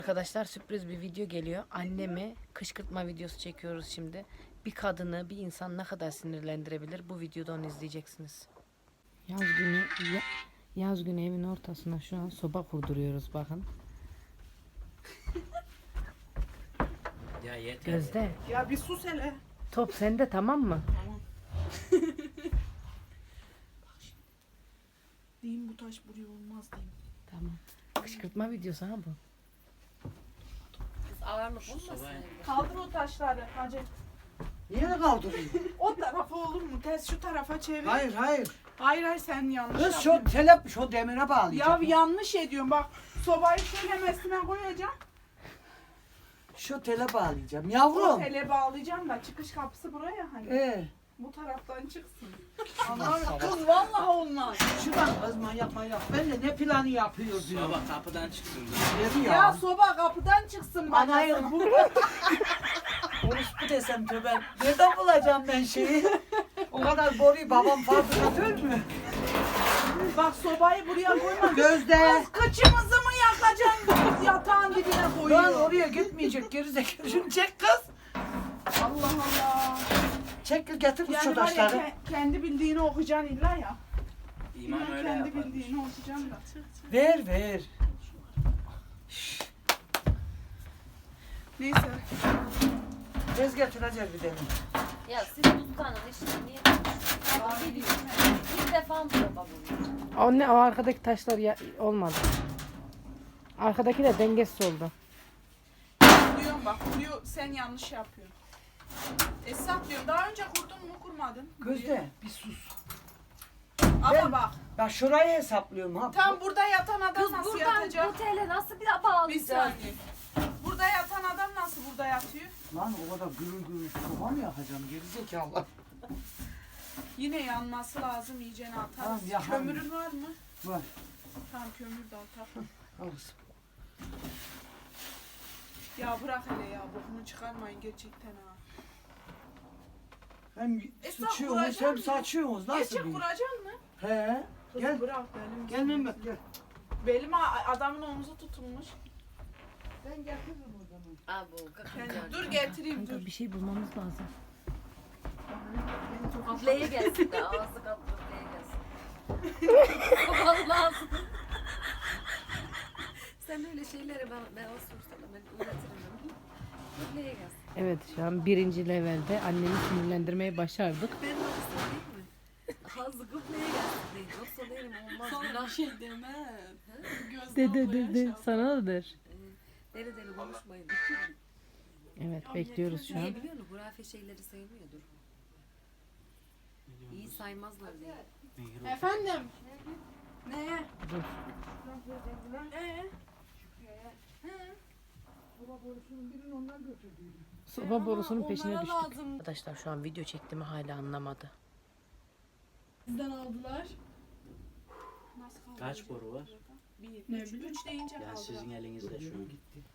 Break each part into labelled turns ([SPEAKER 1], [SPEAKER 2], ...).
[SPEAKER 1] Arkadaşlar sürpriz bir video geliyor. Annemi kışkırtma videosu çekiyoruz şimdi. Bir kadını, bir insan ne kadar sinirlendirebilir? Bu videoda onu izleyeceksiniz. Yaz günü evin ortasına şu an soba kurduruyoruz bakın.
[SPEAKER 2] Ya yeter.
[SPEAKER 1] Gözde.
[SPEAKER 3] Ya bir sus hele.
[SPEAKER 1] Top sende, tamam mı?
[SPEAKER 3] Tamam. Diyeyim bu taş buraya olmaz diyeyim.
[SPEAKER 1] Tamam. Kışkırtma videosu ha bu.
[SPEAKER 4] Ağırlık olmasın.
[SPEAKER 3] Kaldır o taşları hacı.
[SPEAKER 5] Niye kaldırıyor?
[SPEAKER 3] O tarafa olur mu? Ters şu tarafa çevir.
[SPEAKER 5] Hayır hayır.
[SPEAKER 3] Hayır sen yanlış
[SPEAKER 5] Kız
[SPEAKER 3] yapıyorsun.
[SPEAKER 5] şu demire
[SPEAKER 3] Ya
[SPEAKER 5] bağlayacağım.
[SPEAKER 3] yanlış ediyorsun bak. Sobayı şöyle mesime koyacağım.
[SPEAKER 5] Şu tele bağlayacağım.
[SPEAKER 3] O
[SPEAKER 5] Yavrum.
[SPEAKER 3] tele bağlayacağım da çıkış kapısı buraya hani. Bu taraftan çıksın. Anlar kız vallahi olmaz.
[SPEAKER 5] Şuradan kız manyak. Ben de ne planı yapıyor diyor.
[SPEAKER 2] Baba kapıdan çıksın.
[SPEAKER 5] Dedi
[SPEAKER 3] Ya
[SPEAKER 5] ya.
[SPEAKER 3] soba kapıdan çıksın bana.
[SPEAKER 5] Anayı Orospu desem tövbe. Nereden bulacağım ben şeyi? O kadar boruyu babam fabrikatör mü?
[SPEAKER 3] Bak sobayı buraya koyma.
[SPEAKER 5] Gözde.
[SPEAKER 3] Kız kıçımızı mı yakacaksın? Yatağın dibine
[SPEAKER 5] Lan
[SPEAKER 3] koyuyor.
[SPEAKER 5] oraya gitmeyecek gerizekalı. Şunu çek kız.
[SPEAKER 3] Allah Allah.
[SPEAKER 5] Çek getir kız şu
[SPEAKER 3] Yani var ya
[SPEAKER 5] taşları.
[SPEAKER 3] kendi bildiğini okuyacaksın illa ya.
[SPEAKER 2] İman
[SPEAKER 3] İlla
[SPEAKER 2] öyle
[SPEAKER 3] kendi
[SPEAKER 2] yapar.
[SPEAKER 3] bildiğini okuyacaksın da.
[SPEAKER 5] Ver.
[SPEAKER 3] Neyse.
[SPEAKER 5] Bez getireceğiz bir dedim.
[SPEAKER 4] Ya siz ustanın işini niye konuşuyorsunuz? Bir defa mı baba bunu?
[SPEAKER 1] O arkadaki taşlar olmadı. Arkadaki de dengesiz oldu.
[SPEAKER 3] Diyorum bak kuruyor sen yanlış yapıyorsun. Esat diyorum daha önce kurdun mu kurmadın?
[SPEAKER 5] Gözde bir sus.
[SPEAKER 3] Ama
[SPEAKER 5] Ben-
[SPEAKER 3] bak
[SPEAKER 5] Bak şurayı hesaplıyorum ha.
[SPEAKER 3] tam burada yatan adam
[SPEAKER 4] Kız
[SPEAKER 3] nasıl
[SPEAKER 4] buradan
[SPEAKER 3] yatacak?
[SPEAKER 4] bu tele nasıl bir
[SPEAKER 3] Bir
[SPEAKER 4] bağlayacağız?
[SPEAKER 3] saniye. Burada yatan adam nasıl burada yatıyor?
[SPEAKER 5] Lan o kadar gürül soba mı yakacağım gerizekalı?
[SPEAKER 3] Yine yanması lazım iyicene atarız.
[SPEAKER 5] Tamam, ya,
[SPEAKER 3] Kömürün var mı?
[SPEAKER 5] Var.
[SPEAKER 3] Tamam kömür de atar.
[SPEAKER 5] Al.
[SPEAKER 3] Ya bırak hele ya bokunu çıkarmayın gerçekten ha.
[SPEAKER 5] Hem
[SPEAKER 3] Esnaf
[SPEAKER 5] sıçıyorsunuz
[SPEAKER 3] vuracak
[SPEAKER 5] hem
[SPEAKER 3] mı?
[SPEAKER 5] saçıyorsunuz. Nasıl
[SPEAKER 3] Gerçek
[SPEAKER 5] bir?
[SPEAKER 3] vuracaksın mı?
[SPEAKER 5] He.
[SPEAKER 3] Kız
[SPEAKER 5] Gel.
[SPEAKER 3] bırak benim.
[SPEAKER 5] Gel Mehmet gel.
[SPEAKER 3] Belim adamın omuzu tutulmuş.
[SPEAKER 5] Ben getiririm o zaman.
[SPEAKER 4] Abi o
[SPEAKER 3] Yani, dur getireyim dur.
[SPEAKER 1] Kanka bir şey bulmamız lazım.
[SPEAKER 4] Kaplaya gelsin de ağzı kaplaya gelsin. Baban lazım. Sen öyle şeyleri ben sorsana ben üretirim. Kaplaya gelsin.
[SPEAKER 1] Evet, şu an 1. levelde annemi sinirlendirmeyi başardık.
[SPEAKER 4] Ben nasıl değil mi? Ağzı kaplaya gelsin değil. Yoksa benim olmaz.
[SPEAKER 3] Sana bir şey demem.
[SPEAKER 1] De sana da der.
[SPEAKER 4] Deli deli konuşmayın.
[SPEAKER 1] Evet, bekliyoruz şu
[SPEAKER 4] Niye
[SPEAKER 1] an.
[SPEAKER 4] biliyor musun? Hurafe şeyleri sevmiyordur. İyi saymazlar diye.
[SPEAKER 3] Efendim? Ne?
[SPEAKER 1] Dur. Soba borusunun peşine düştük. Arkadaşlar şu an video çektiğimi hala anlamadı.
[SPEAKER 3] Bizden aldılar. Nasıl kaldı?
[SPEAKER 2] Kaç boru var?
[SPEAKER 3] Bir. Ne bileyim. 3 deyince
[SPEAKER 2] Ya
[SPEAKER 3] kaldı.
[SPEAKER 2] sizin elinizde şu an.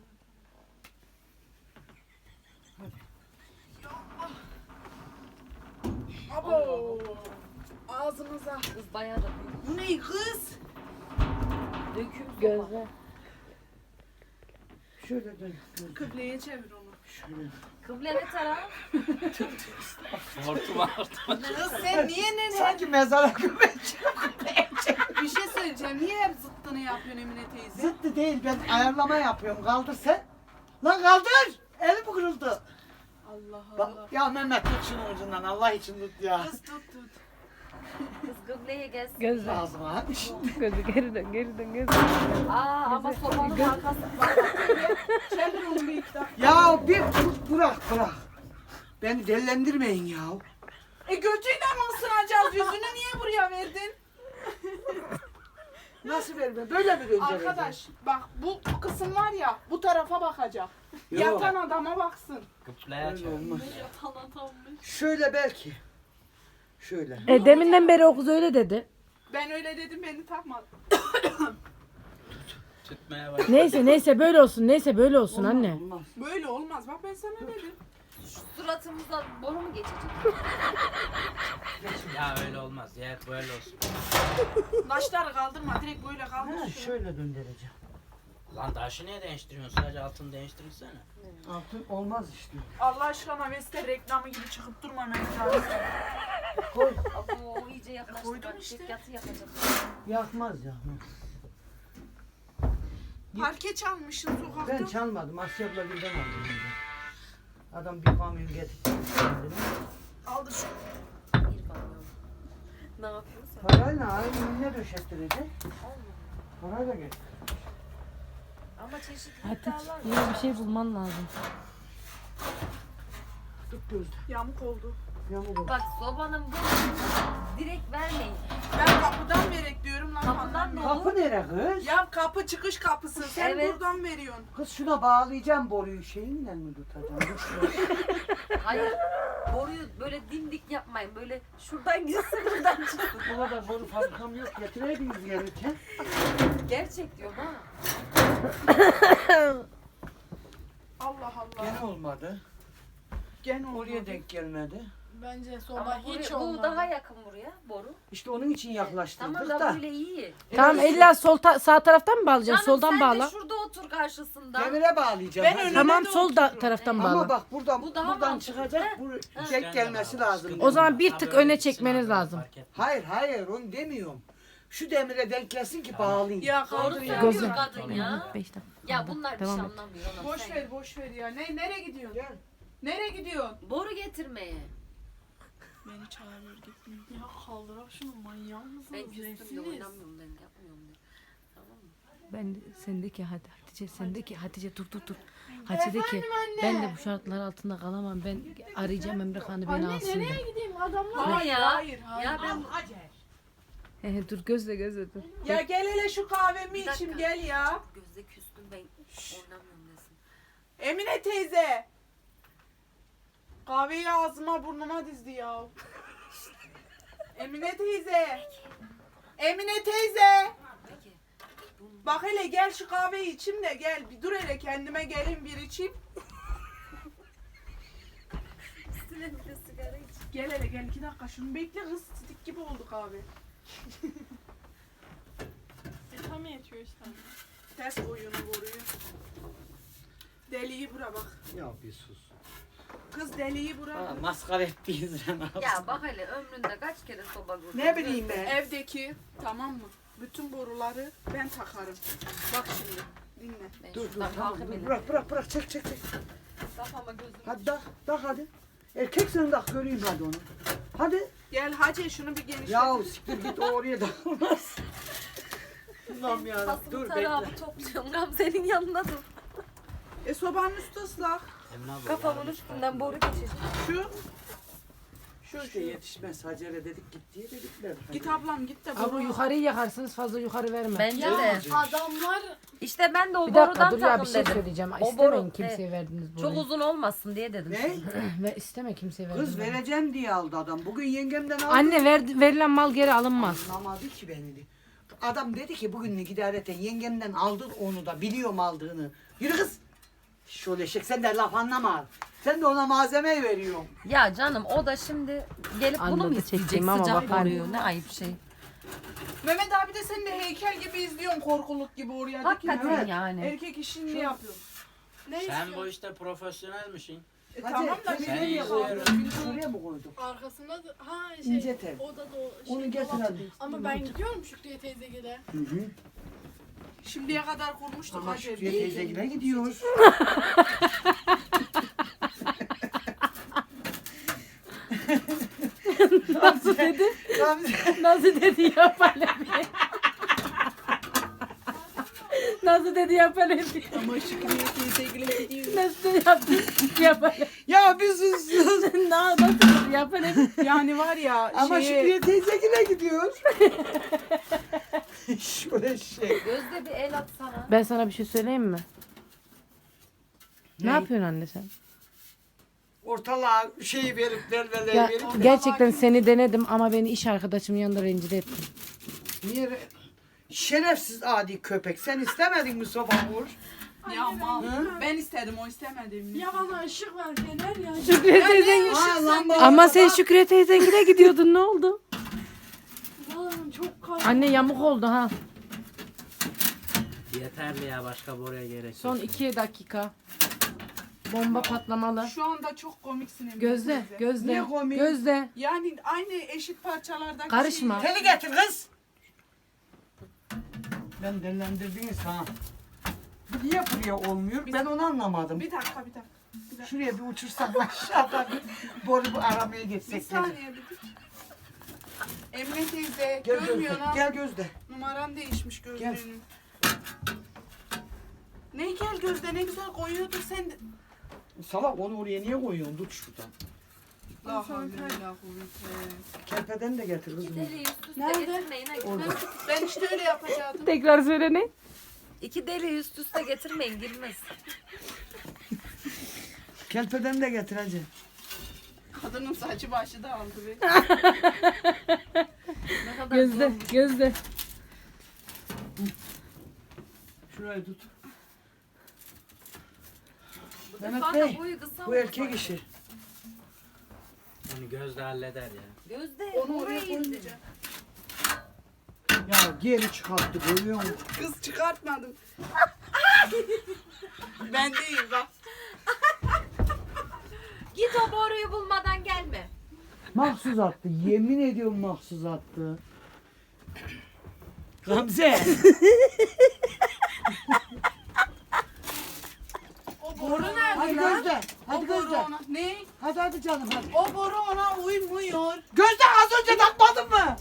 [SPEAKER 3] Abo. Ağzımıza.
[SPEAKER 4] Kız bayağı da büyük.
[SPEAKER 3] Bu ne kız?
[SPEAKER 4] Döküm sopa.
[SPEAKER 1] Gözle.
[SPEAKER 5] Şöyle dön.
[SPEAKER 3] Kıbleye çevir onu.
[SPEAKER 5] Şöyle.
[SPEAKER 4] Kıble ne taraf?
[SPEAKER 2] Hortuma.
[SPEAKER 3] Kız sen niye ne
[SPEAKER 5] Sanki mezara gömeceğim.
[SPEAKER 3] Bir şey söyleyeceğim. Niye hep zıttını yapıyorsun Emine teyze?
[SPEAKER 5] Zıttı değil ben ayarlama yapıyorum. Kaldır sen. Lan kaldır. Elim kırıldı.
[SPEAKER 3] Allah Allah.
[SPEAKER 5] Bak, ya Mehmet tut şunu ucundan Allah için tut ya.
[SPEAKER 3] Kız tut.
[SPEAKER 4] Kız kıbleye gelsin.
[SPEAKER 1] Gözle.
[SPEAKER 5] Ağzıma.
[SPEAKER 1] Gözle geri dön, geri dön, geri dön.
[SPEAKER 4] Aa ama sobanın arkası var.
[SPEAKER 3] Çevir onu bir iki dakika.
[SPEAKER 5] Ya bir bırak. Beni delilendirmeyin ya.
[SPEAKER 3] Götüyle mi ısınacağız? Yüzünü niye buraya verdin?
[SPEAKER 5] Nasıl verme? Böyle mi göndereceğim?
[SPEAKER 3] Arkadaş bak bu kısım var ya bu tarafa bakacak.
[SPEAKER 5] Yok.
[SPEAKER 3] Yatan adama baksın.
[SPEAKER 2] Kıplaya
[SPEAKER 5] Öyle
[SPEAKER 2] çevir.
[SPEAKER 5] olmaz.
[SPEAKER 3] Yatan adammış.
[SPEAKER 5] Şöyle belki. Şöyle.
[SPEAKER 1] Deminden beri o kız öyle dedi.
[SPEAKER 3] Ben öyle dedim beni takmadı.
[SPEAKER 2] Tutmaya bak.
[SPEAKER 1] Neyse böyle olsun, böyle olsun anne.
[SPEAKER 5] Olmaz.
[SPEAKER 3] Böyle olmaz. Bak ben sana dedim.
[SPEAKER 4] Suratımızda boru mu geçecek?
[SPEAKER 2] Ya öyle olmaz. Ya böyle olsun.
[SPEAKER 3] Taşları kaldırma. Direkt böyle
[SPEAKER 5] Ha,
[SPEAKER 3] kaldır.
[SPEAKER 5] şöyle döndüreceğim.
[SPEAKER 2] Lan taşı niye değiştiriyorsun? Sadece altını değiştirirsene.
[SPEAKER 5] Altın olmaz işte.
[SPEAKER 3] Allah aşkına Vestel reklamı gibi çıkıp durma Mehmet abi.
[SPEAKER 5] Koy.
[SPEAKER 4] Abo iyice yaklaştı.
[SPEAKER 3] Koydum
[SPEAKER 4] Bak,
[SPEAKER 3] işte.
[SPEAKER 4] yatı yapacağım.
[SPEAKER 5] Yakmaz yakmaz.
[SPEAKER 3] Parke çalmışsın sokakta.
[SPEAKER 5] Ben çalmadım. Asya abla birden aldım. Adam bir kamyon getirdi. kendine.
[SPEAKER 3] Aldı şu.
[SPEAKER 4] Bir kamyon. Ne yapıyorsun sen?
[SPEAKER 5] Parayla aynı ne döşettirecek? Parayla getir.
[SPEAKER 4] Ama çeşitli
[SPEAKER 1] Hatice
[SPEAKER 4] iddialar
[SPEAKER 1] yine
[SPEAKER 4] var.
[SPEAKER 1] bir şey bulman lazım.
[SPEAKER 5] Tut gözde.
[SPEAKER 3] Yamuk oldu.
[SPEAKER 5] Yamuk ol.
[SPEAKER 4] Bak sobanın bu direkt vermeyin.
[SPEAKER 3] Ben kapıdan verek diyorum lan.
[SPEAKER 4] Kapıdan
[SPEAKER 3] anlamıyor.
[SPEAKER 4] ne olur?
[SPEAKER 5] Kapı nere kız?
[SPEAKER 3] Ya kapı çıkış kapısı. Sen
[SPEAKER 4] Evet.
[SPEAKER 3] buradan veriyorsun.
[SPEAKER 5] Kız şuna bağlayacağım boruyu. Şeyinle mi tutacağım? Dur şuraya.
[SPEAKER 4] Hayır. Boruyu böyle dimdik yapmayın. Böyle şuradan gitsin buradan çıksın.
[SPEAKER 5] O kadar boru fabrikam yok. Getireydiniz gelirken.
[SPEAKER 4] Gerçek diyorum ha.
[SPEAKER 3] Allah Allah.
[SPEAKER 5] Gene olmadı.
[SPEAKER 3] Gene olmadı.
[SPEAKER 5] Oraya denk gelmedi.
[SPEAKER 6] Bence soba
[SPEAKER 4] Ama
[SPEAKER 6] hiç
[SPEAKER 4] bu
[SPEAKER 6] olmadı.
[SPEAKER 4] daha yakın buraya boru.
[SPEAKER 5] İşte onun için yaklaştırdık
[SPEAKER 4] Tamam
[SPEAKER 5] da.
[SPEAKER 4] da böyle iyi.
[SPEAKER 1] Tamam illa sağ taraftan mı bağlayacaksın?
[SPEAKER 4] Canım
[SPEAKER 1] Soldan
[SPEAKER 4] sen
[SPEAKER 1] bağla.
[SPEAKER 4] de şurada otur karşısında.
[SPEAKER 5] Demire bağlayacağım.
[SPEAKER 3] Ben
[SPEAKER 5] hadi.
[SPEAKER 3] önüne
[SPEAKER 1] Tamam
[SPEAKER 3] de
[SPEAKER 1] sol
[SPEAKER 3] otururum.
[SPEAKER 1] taraftan bağla.
[SPEAKER 5] Ama bak buradan
[SPEAKER 4] Bu daha
[SPEAKER 5] buradan
[SPEAKER 4] mantıklı.
[SPEAKER 5] çıkacak. Bu denk gelmesi lazım.
[SPEAKER 1] O zaman bir
[SPEAKER 2] Ha,
[SPEAKER 1] tık
[SPEAKER 2] böyle
[SPEAKER 1] öne
[SPEAKER 2] gitsin
[SPEAKER 1] çekmeniz
[SPEAKER 2] abi,
[SPEAKER 1] lazım.
[SPEAKER 2] fark etmez.
[SPEAKER 5] Hayır onu demiyorum. Şu demire denk gelsin ki bağlayayım.
[SPEAKER 3] Ya
[SPEAKER 4] Doğru
[SPEAKER 3] kaldır ya.
[SPEAKER 4] söylüyor
[SPEAKER 1] Gözüm.
[SPEAKER 4] kadın ya.
[SPEAKER 1] 5 dakika.
[SPEAKER 4] Ya
[SPEAKER 1] kaldı.
[SPEAKER 4] bunlar bir
[SPEAKER 1] Devam
[SPEAKER 4] şey
[SPEAKER 1] et.
[SPEAKER 4] anlamıyor. Anam,
[SPEAKER 3] Boş
[SPEAKER 4] sen.
[SPEAKER 3] ver boş ver ya. Nereye gidiyorsun?
[SPEAKER 5] Gel.
[SPEAKER 3] Nereye gidiyorsun?
[SPEAKER 4] Boru getirmeye.
[SPEAKER 6] Beni çağırıyor gitmiyor. Ya kaldırak şunu manyak mısınız?
[SPEAKER 4] Ben küstüm de
[SPEAKER 6] Nesiniz?
[SPEAKER 4] oynamıyorum ben yapmıyorum de. Tamam mı?
[SPEAKER 1] Ben de sendeki Hatice sendeki Hatice dur. Hatice de ki ben de bu şartlar altında kalamam. Ben arayacağım Emre Han'ı beni
[SPEAKER 6] Anne
[SPEAKER 1] alsın
[SPEAKER 6] nereye
[SPEAKER 1] de.
[SPEAKER 6] gideyim adamlar?
[SPEAKER 3] Hayır
[SPEAKER 4] ya.
[SPEAKER 3] hayır hayır.
[SPEAKER 4] Ya ben
[SPEAKER 1] Dur gözle dur.
[SPEAKER 3] Ya gel hele şu kahvemi
[SPEAKER 4] Bir dakika.
[SPEAKER 3] içim gel ya.
[SPEAKER 4] gözde küstüm ben oynamıyorum desin.
[SPEAKER 3] Emine teyze. Kahveyi ağzıma burnuma dizdi ya. Emine teyze. Emine teyze.
[SPEAKER 4] Peki.
[SPEAKER 3] Bak hele gel şu kahveyi içim de gel. Bir dur hele kendime gelin bir içeyim.
[SPEAKER 4] Üstüne bir de sigara iç.
[SPEAKER 3] Gel hele gel 2 dakika şunu bekle kız. Sidik gibi oldu kahve.
[SPEAKER 6] Tam yetiyor işte.
[SPEAKER 3] Ters koyunu boruyu. Deliği bura bak.
[SPEAKER 5] Ya bir sus.
[SPEAKER 3] Kız deliği bura.
[SPEAKER 5] Maskara ettiğiniz
[SPEAKER 4] Ya bak hele ömründe kaç kere soba kurdun?
[SPEAKER 5] Ne bileyim ben.
[SPEAKER 3] Evdeki tamam mı? Bütün boruları ben takarım. Bak şimdi dinle.
[SPEAKER 4] Ben
[SPEAKER 5] Dur
[SPEAKER 4] şuradan
[SPEAKER 5] tamam
[SPEAKER 4] kalkayım
[SPEAKER 5] dur.
[SPEAKER 4] hele.
[SPEAKER 5] Bırak çek.
[SPEAKER 4] Kafama gözüm.
[SPEAKER 5] Hadi tak hadi. Erkek sen tak göreyim hadi onu. Hadi.
[SPEAKER 3] Gel Hacı şunu bir genişlet.
[SPEAKER 5] Ya siktir git o oraya dağılmaz. Allah'ım yarabbim.
[SPEAKER 4] Kasımı
[SPEAKER 5] Dur bekle.
[SPEAKER 4] tarafı topluyorum. Gamze'nin yanında dur.
[SPEAKER 3] Sobanın üstü ıslak.
[SPEAKER 2] Emine abla,
[SPEAKER 4] Kafamın
[SPEAKER 2] yarın
[SPEAKER 4] üstünden
[SPEAKER 2] çıkartma.
[SPEAKER 4] boru geçecek.
[SPEAKER 3] Şu
[SPEAKER 5] İşte yetişmez. Hacere dedik git diye dedikler.
[SPEAKER 3] git ablam git de
[SPEAKER 1] Abi yukarıyı yakarsınız fazla yukarı verme.
[SPEAKER 4] Bence
[SPEAKER 6] Ya
[SPEAKER 4] de.
[SPEAKER 6] adamlar
[SPEAKER 4] İşte ben de o
[SPEAKER 1] Bir dakika
[SPEAKER 4] borudan
[SPEAKER 1] dur ya bir
[SPEAKER 4] takın
[SPEAKER 1] şey
[SPEAKER 4] dedim.
[SPEAKER 1] söyleyeceğim.
[SPEAKER 4] O
[SPEAKER 1] İstemeyin
[SPEAKER 4] boru,
[SPEAKER 1] kimseye verdiniz bunu.
[SPEAKER 4] Çok uzun olmasın diye dedim.
[SPEAKER 5] Ne?
[SPEAKER 1] Ve isteme kimseye verdiniz.
[SPEAKER 5] Kız vereceğim diye aldı adam. Bugün yengemden aldı.
[SPEAKER 1] Anne verilen mal geri alınmaz.
[SPEAKER 5] Anlamadı ki beni. Adam dedi ki bugünlük idareten yengemden aldın onu da biliyorum aldığını. Yürü kız. Şöyle eşek sen de laf anlama. Sen de ona malzeme veriyorsun.
[SPEAKER 4] Ya canım o da şimdi gelip bunu mu
[SPEAKER 1] Anladı
[SPEAKER 4] isteyecek
[SPEAKER 1] çektiğimi ama
[SPEAKER 4] sıcak
[SPEAKER 1] bakar.
[SPEAKER 4] boruyu ne ayıp şey.
[SPEAKER 3] Mehmet abi de sen de heykel gibi izliyorsun korkuluk gibi oraya.
[SPEAKER 4] Hakikaten
[SPEAKER 5] evet.
[SPEAKER 4] yani.
[SPEAKER 3] Erkek işini yapıyorsun.
[SPEAKER 6] ne
[SPEAKER 2] Sen
[SPEAKER 6] istiyor?
[SPEAKER 2] bu işte profesyonelmişsin.
[SPEAKER 3] Tamam da
[SPEAKER 5] Hadi,
[SPEAKER 3] biz
[SPEAKER 2] sen
[SPEAKER 3] nereye
[SPEAKER 2] iyi
[SPEAKER 3] koyuyoruz?
[SPEAKER 5] Şuraya mı koyduk?
[SPEAKER 6] Arkasında da ha
[SPEAKER 5] İnce tel.
[SPEAKER 6] o da
[SPEAKER 5] Onu getir
[SPEAKER 6] dolap.
[SPEAKER 5] hadi.
[SPEAKER 6] Ama ben gidiyorum Şükriye teyzegile.
[SPEAKER 5] Hı hı.
[SPEAKER 3] Şimdiye kadar kurmuştuk
[SPEAKER 5] Ama
[SPEAKER 3] Hacı.
[SPEAKER 5] Şükriye teyzegile gidiyoruz.
[SPEAKER 1] Nasıl dedi? Nasıl dedi yapalım. Nasıl dedi yapalım.
[SPEAKER 3] Ama Şükriye teyzegile gidiyoruz.
[SPEAKER 1] Nasıl yaptı yapalım.
[SPEAKER 5] Ya bir sus.
[SPEAKER 1] Nasıl dedi yapalım.
[SPEAKER 3] Yani var ya
[SPEAKER 5] Ama
[SPEAKER 3] şeye-
[SPEAKER 5] Şükriye teyzegile gidiyor. Şöyle şey.
[SPEAKER 4] Gözde bir el atsana.
[SPEAKER 1] Ben sana bir şey söyleyeyim mi? Ne yapıyorsun anne sen?
[SPEAKER 5] Ortalığa şeyi verip verip
[SPEAKER 1] Ya,
[SPEAKER 5] verip.
[SPEAKER 1] gerçekten seni denedim ama beni iş arkadaşımın yanında rencide ettin.
[SPEAKER 5] Niye? Şerefsiz adi köpek. Sen istemedin mi soba vur?
[SPEAKER 3] Ya mal.
[SPEAKER 5] Hı?
[SPEAKER 3] Ben istedim o istemedi.
[SPEAKER 6] Ya bana ışık ver fener ya.
[SPEAKER 1] Şükriye teyzen
[SPEAKER 5] Aa, lamba
[SPEAKER 1] ama
[SPEAKER 5] ortada.
[SPEAKER 1] sen Şükriye teyzengile gidiyordun ne oldu?
[SPEAKER 6] Lan çok kalın.
[SPEAKER 1] Anne yamuk oldu ha.
[SPEAKER 2] Yeterli ya, başka boruya gerek yok.
[SPEAKER 1] Son 2 dakika. Bomba patlamalı.
[SPEAKER 3] Şu anda çok komiksin Emine
[SPEAKER 1] Gözde,
[SPEAKER 3] teyze.
[SPEAKER 1] gözde,
[SPEAKER 5] Niye komik?
[SPEAKER 1] gözde.
[SPEAKER 3] Yani aynı eşit parçalardaki
[SPEAKER 1] Karışma.
[SPEAKER 3] şeyi-
[SPEAKER 5] Teli getir kız. Ben delilendirdiniz ha. Bu niye buraya olmuyor? Ben onu anlamadım.
[SPEAKER 3] Bir dakika.
[SPEAKER 5] Şuraya bir uçursak aşağıdan boru aramaya
[SPEAKER 3] Bir
[SPEAKER 5] geçsek.
[SPEAKER 3] saniye bir dur. Emine teyze
[SPEAKER 5] Gel
[SPEAKER 3] görmüyor
[SPEAKER 5] Gözde.
[SPEAKER 3] ha.
[SPEAKER 5] Gel Gözde.
[SPEAKER 3] Numaran değişmiş
[SPEAKER 5] Gel.
[SPEAKER 3] gözlüğünün. Ne gel Gözde, ne güzel koyuyordun sen de.
[SPEAKER 5] Salak onu oraya niye koyuyorsun? Tut şuradan.
[SPEAKER 3] La havle ve la kuvvete.
[SPEAKER 5] Kerpeden de getir kızım.
[SPEAKER 4] İki deli üst üste
[SPEAKER 3] Nerede?
[SPEAKER 4] getirmeyin. ha,
[SPEAKER 5] Orada.
[SPEAKER 4] girmez.
[SPEAKER 3] Ben işte öyle yapacaktım.
[SPEAKER 1] Tekrar söyle ne?
[SPEAKER 4] İki deli üst üste getirmeyin girmez.
[SPEAKER 5] Kerpeden de getir hacı.
[SPEAKER 3] Kadının saçı başı da aldı be.
[SPEAKER 4] Ne kadar
[SPEAKER 1] Gözde,
[SPEAKER 4] zormuş.
[SPEAKER 1] gözde.
[SPEAKER 5] Şurayı tut.
[SPEAKER 4] Bu
[SPEAKER 5] Mehmet
[SPEAKER 4] defa
[SPEAKER 5] Bey,
[SPEAKER 4] da boyu kısa
[SPEAKER 5] Bu
[SPEAKER 4] oldu
[SPEAKER 5] erkek
[SPEAKER 4] bak.
[SPEAKER 5] işi.
[SPEAKER 2] Onu Gözde halleder ya.
[SPEAKER 4] Gözde
[SPEAKER 3] Onu oraya
[SPEAKER 4] oraya indir.
[SPEAKER 3] koymayacağım.
[SPEAKER 5] Ya geri çıkarttı görüyor musun?
[SPEAKER 3] Kız çıkartmadım. Ben değil bak.
[SPEAKER 4] Git o boruyu bulmadan gelme.
[SPEAKER 5] Mahsus attı. Yemin ediyorum mahsus attı. Gamze.
[SPEAKER 3] O boru nerede
[SPEAKER 5] Hadi
[SPEAKER 3] lan?
[SPEAKER 5] Gözde. Hadi
[SPEAKER 3] O boru
[SPEAKER 5] Gözde.
[SPEAKER 3] ona. Ne?
[SPEAKER 5] Hadi canım hadi.
[SPEAKER 3] O boru ona uymuyor.
[SPEAKER 5] Gözde az önce takmadın mı?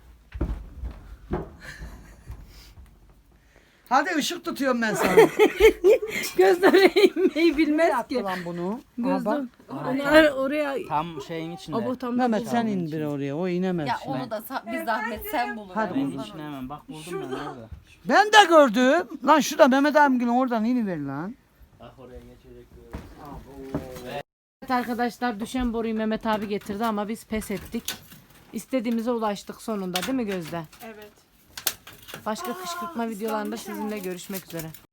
[SPEAKER 5] Hadi ışık tutuyorum ben sana.
[SPEAKER 1] Gözlere inmeyi bilmez
[SPEAKER 5] Yaptı
[SPEAKER 1] ki.
[SPEAKER 5] lan bunu.
[SPEAKER 1] Gözde.
[SPEAKER 5] Bak.
[SPEAKER 1] Onu oraya...
[SPEAKER 2] Tam şeyin içinde.
[SPEAKER 1] Abo tam
[SPEAKER 5] Mehmet sen indir oraya. O inemez.
[SPEAKER 4] Ya
[SPEAKER 5] şimdi.
[SPEAKER 4] onu da bir zahmet sen bulun.
[SPEAKER 5] Hadi
[SPEAKER 2] Ben
[SPEAKER 5] bunu.
[SPEAKER 2] içine hemen bak buldum ben orada.
[SPEAKER 5] Ben de gördüm. Lan şurada Mehmet abimgilin oradan iniver lan.
[SPEAKER 2] Bak oraya geçecek böyle.
[SPEAKER 1] Evet arkadaşlar, düşen boruyu Mehmet abi getirdi ama biz pes ettik. İstediğimize ulaştık sonunda, değil mi Gözde?
[SPEAKER 3] Evet.
[SPEAKER 1] Başka kışkırtma videolarında sizinle görüşmek üzere.